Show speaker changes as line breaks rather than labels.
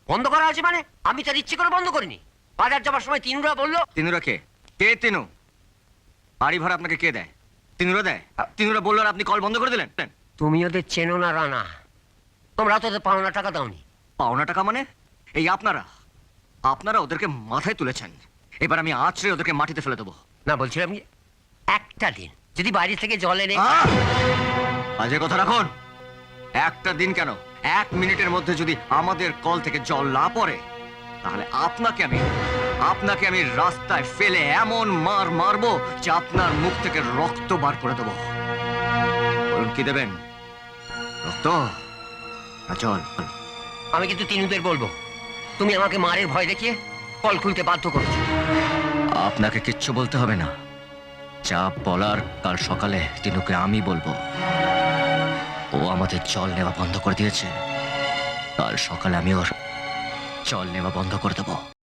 বন্ধ করা আছে মানে? আমি তার ইচ্ছে করে বন্ধ করিনি। বাজার যাবার সময় তিনুরা বললো।
তিনুরা কে? কে তিনু? বাড়ি ভাড়া আপনাকে কে দেয়? তিনুরা দেয়? তিনুরা বললো আর আপনি কল বন্ধ করে দিলেন?
তুমি ওদের চেনো না রানা, তোমরা তো ওদের পাওনা টাকা দাওনি।
পাওনা টাকা মানে? এই আপনারা আপনারা ওদেরকে মাথায় তুলেছেন। এবার আমি আছড়ে ওদেরকে মাটিতে ফেলে দেবো।
না, বলছিলাম যে একটা দিন যদি বাইরে থেকে জল এনে।
বাজে কথা রাখুন। একটা দিন কেন, 1 মিনিটের মধ্যে যদি আমাদের কল থেকে জল না পড়ে, তাহলে আপনাকে আমি রাস্তায় ফেলে এমন মার মারবো যে আপনার মুখ থেকে রক্ত বার করে দেবো। বলুন কি দেবেন? রক্ত না জল?
আমি কিন্তু তিনুদের বলবো, তুমি আমাকে মারের ভয় দেখিয়ে কল খুলতে বাধ্য করেছো।
আপনাকে কিচ্ছু বলতে হবে না। যা বলার কাল সকালে তিনুকে আমি বলবো। ও আমাদের জল নেওয়া বন্ধ করে দিয়েছে, কাল সকালে আমি ওর জল নেওয়া বন্ধ করে দেবো।